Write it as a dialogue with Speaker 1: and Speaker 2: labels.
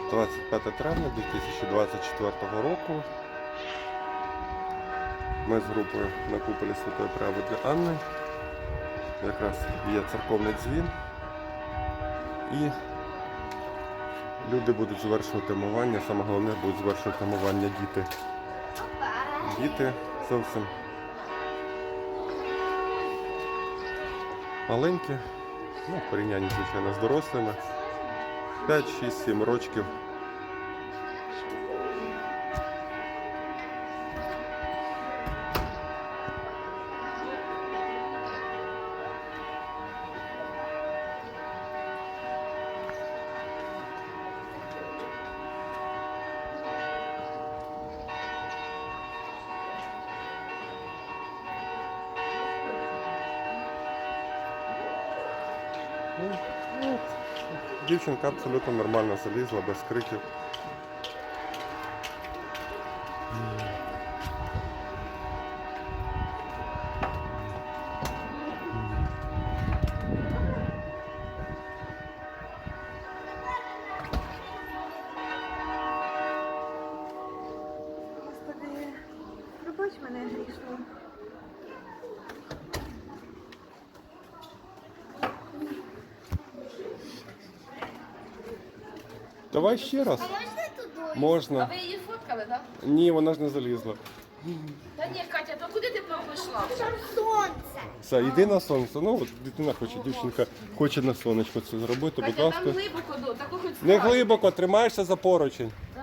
Speaker 1: 25 травня 2024 року. Ми з групою на куполі Святої Праведної Анни. Якраз є церковний дзвін. І люди будуть звершувати мовання. Саме головне будуть звершувати мовання діти. Діти зовсім маленькі, ну, в порівнянні, звичайно, з дорослими. 5, 6, 7 років. Дівчинка абсолютно нормально залізла, без криків.
Speaker 2: Господи, пробач мене грішну.
Speaker 1: Давай ще раз.
Speaker 3: А можна туди?
Speaker 4: А
Speaker 1: Можна.
Speaker 4: ви її фоткали, так?
Speaker 1: Ні, вона ж не залізла.
Speaker 4: Та ні, Катя, то куди ти пішла?
Speaker 3: Там сонце.
Speaker 1: Все, йди на сонце. Ну, от дитина хоче, дівчинка хоче на сонечко це зробити, будь
Speaker 4: Катя,
Speaker 1: ласка.
Speaker 4: там глибоко, таку хоч
Speaker 1: Не
Speaker 4: справді.
Speaker 1: глибоко, тримаєшся за поручень.